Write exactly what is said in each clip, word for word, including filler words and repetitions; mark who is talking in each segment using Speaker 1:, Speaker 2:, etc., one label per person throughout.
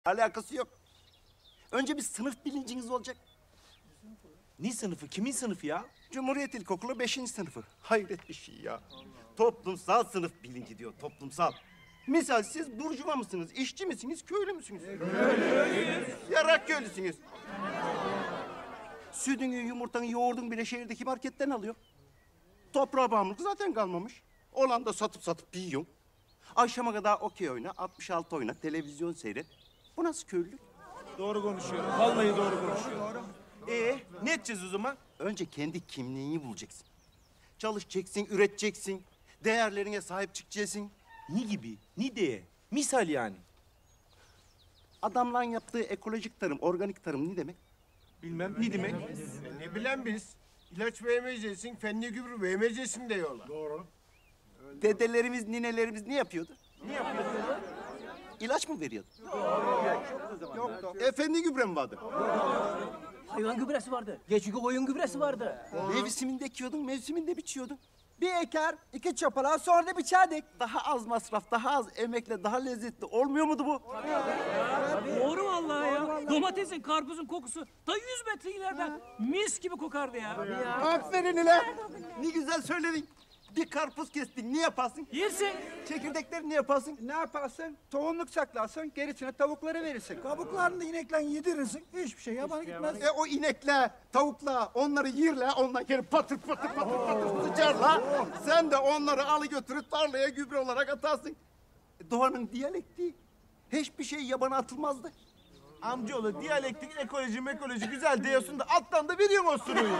Speaker 1: Alakası yok. Önce bir sınıf bilinciniz olacak.
Speaker 2: Ne sınıfı? Kimin sınıfı ya?
Speaker 1: Cumhuriyet İlkokulu beşinci sınıfı. Hayret bir şey ya. Toplumsal sınıf bilinci diyor, toplumsal. Misal siz burjuva mısınız, işçi misiniz, köylü müsünüz? Köylüyüz. Yarak köylüsünüz. Sütünü, yumurtanı, yoğurdun bile şehirdeki marketten alıyor. Toprağa bağımlılık zaten kalmamış. Olan da satıp satıp yiyor. Akşama kadar okey oyna, altmış altı oyna, televizyon seyret. Bu nasıl köylülük?
Speaker 2: Doğru konuşuyor. Vallahi doğru konuşuyor. Ee, ne edeceğiz o zaman?
Speaker 1: Önce kendi kimliğini bulacaksın. Çalışacaksın, üreteceksin. Değerlerine sahip çıkacaksın.
Speaker 2: Ne gibi? Ne diye? Misal yani.
Speaker 1: Adamların yaptığı ekolojik tarım, organik tarım ne demek?
Speaker 2: Bilmem ne demek?
Speaker 3: Ne bilen biz? İlaç vermeyeceksin, fenli gübre vermeyeceksin diyorlar. Doğru.
Speaker 1: Dedelerimiz, ninelerimiz ne yapıyordu? Ne yapıyordu? İlaç mı veriyordu? Yok. Efendi gübre mi vardı?
Speaker 4: Hayvan gübresi vardı. Geçici koyun gübresi vardı.
Speaker 1: Mevsiminde ekiyordun, mevsiminde biçiyordun.
Speaker 5: Bir eker, iki çapalar, sonra da biçerdik.
Speaker 1: Daha az masraf, daha az emekle, daha lezzetli olmuyor muydu bu?
Speaker 4: Doğru vallahi ya. Domatesin, karpuzun kokusu ta yüz metre ileriden mis gibi kokardı ya.
Speaker 1: Aferin ulan! Ne güzel söyledin. Bir karpuz kestin, ne yaparsın?
Speaker 4: Yersin.
Speaker 1: Çekirdekleri ne yaparsın?
Speaker 5: Ne yaparsın? Tohumluk saklarsın, gerisine tavuklara verirsin. Kabuklarını da inekle yedirirsin, hiçbir şey yabana gitmez.
Speaker 1: E o inekle, tavukla, onları yirle, ondan geri patır patır patır patır sıçarla. Sen de onları alı götürüp tarlaya gübre olarak atarsın. E, Doğanın diyalektiği. Hiçbir şey yabana atılmazdı.
Speaker 2: Amcaoğlu diyalektik, ekoloji, mekoloji güzel diyorsun da alttan da veriyorsun o sunuyu.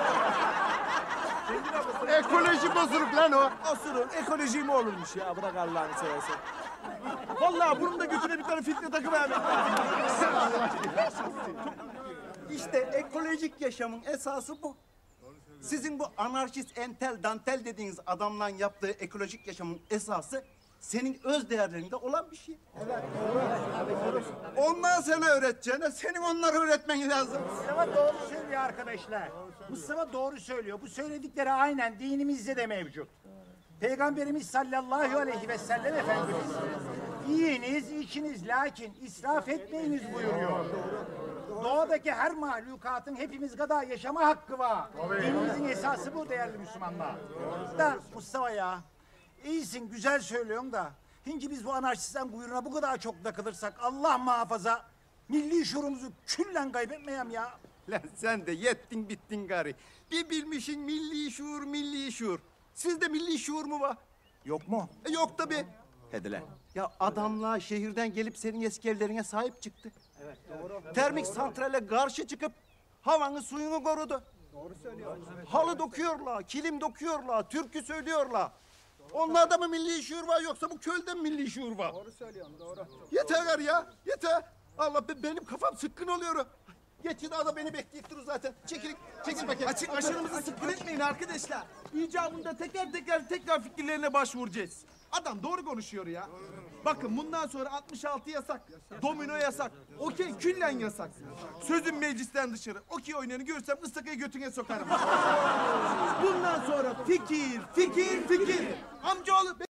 Speaker 1: Ekoloji bozuluk lan o.
Speaker 2: Osurun ekoloji mi olurmuş ya? Bırak Allah'ını seversen. Vallahi bunun da götüne bir tane filtre takıvermek lazım.
Speaker 1: İşte ekolojik yaşamın esası bu. Sizin bu anarşist, entel, dantel dediğiniz adamla yaptığı ekolojik yaşamın esası senin öz değerlerinde olan bir şey. Evet, doğru. Ondan sana öğreteceğine senin onları öğretmen lazım.
Speaker 6: Mustafa doğru söylüyor arkadaşlar. Mustafa doğru söylüyor. Bu söyledikleri aynen dinimizde de mevcut. Peygamberimiz sallallahu aleyhi ve sellem Efendimiz yiyiniz, içiniz lakin israf etmeyiniz buyuruyor. Doğadaki her mahlukatın hepimiz kadar yaşama hakkı var. Dinimizin esası bu değerli Müslümanlar. Da Mustafa ya, iyisin güzel söylüyorsun da hinci biz bu anarşistten kuyruğuna bu kadar çok takılırsak Allah muhafaza milli şuurumuzu küllen kaybetmeyem ya.
Speaker 1: Lan sen de yettin bittin gari. Bir bilmişin milli şuur, milli şuur. Sizde milli şuur mu var?
Speaker 6: Yok mu?
Speaker 1: E, yok tabii. Hadi lan. Ya adamlar şehirden gelip senin eski evlerine sahip çıktı. Evet, doğru. Termik santrale karşı çıkıp havanı suyunu korudu. Doğru söylüyor. Halı dokuyorlar, kilim dokuyorlar, türkü söylüyorlar. Onlarda mı milli şuur var yoksa bu köyde mi milli şuur var?
Speaker 5: Doğru söylüyorsun, doğru.
Speaker 1: Yeter gar ya, yeter. Allah be, benim kafam sıkkın oluyor. Geçin ada beni bekleyip durur zaten. Çekil, çekil bakayım.
Speaker 2: Açık aşırımızı sıkkın etmeyin arkadaşlar. İcabında teker teker tekrar fikirlerine başvuracağız. Adam doğru konuşuyor ya. Bakın bundan sonra altmış altı yasak. Domino yasak. Okey küllen yasak. Sözüm meclisten dışarı. Okey oynayanı görsem ıstakayı götüne sokarım. Bundan sonra fikir, fikir, fikir. Amcaoğlu